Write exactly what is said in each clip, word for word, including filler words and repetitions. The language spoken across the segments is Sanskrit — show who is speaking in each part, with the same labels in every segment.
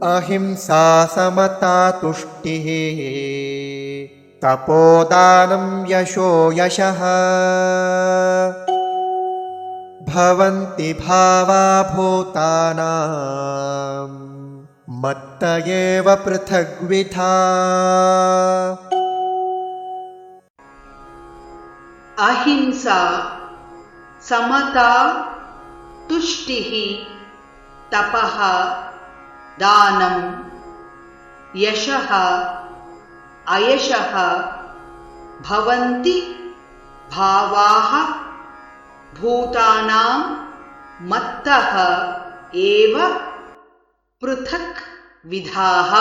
Speaker 1: अहिंसा समता तुष्टिः तपोदानं यशो यशः भवन्ति भावा भूतानां मत्त एव पृथग्विधा।
Speaker 2: अहिंसा समता तुष्टिः तपः दानं यशः अयशः भवन्ति भावाः भूतानां मत्तः एव पृथक् विधाः।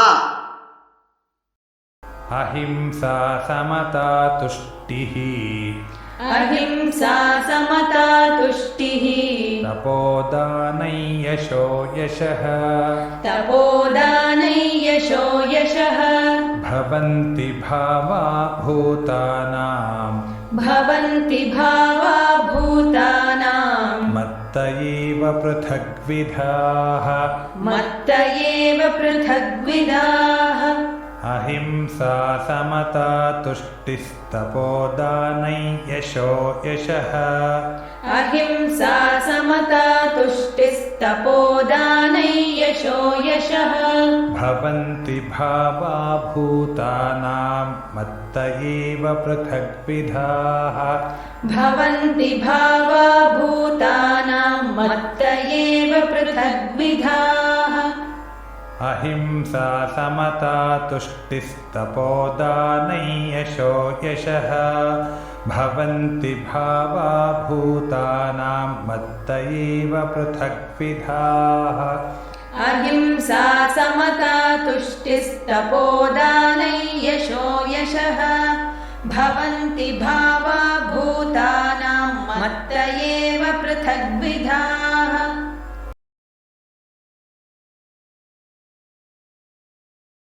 Speaker 3: अहिंसा समता तुष्टिः
Speaker 4: अहिंसा समता तुष्टिः
Speaker 3: तपोदानै यशो यशः
Speaker 4: तपोदानै यशो यशः
Speaker 3: भवन्ति भावा भूतानां
Speaker 4: भवन्ति भावा भूतानां
Speaker 3: मत्त एव पृथग्विधाः
Speaker 4: मत्त एव पृथग्विधाः।
Speaker 3: अहिंसा समता तुष्टिस्तपोदानै यशो यशः
Speaker 4: अहिंसा समता तुष्टिस्तपोदानै यशो यशः
Speaker 3: भवन्ति भावा भूतानां मत्त एव पृथग्विधाः
Speaker 4: भवन्ति भावा भूतानां मत्त एव पृथग्विधाः।
Speaker 3: अहिंसा समता तुष्टिस्तपोदानै यशो यशः भवन्ति भावा भूतानां मत्त एव पृथग्विधाः।
Speaker 4: अहिंसा समता तुष्टिस्तपोदानै यशो यशः भवन्ति भावा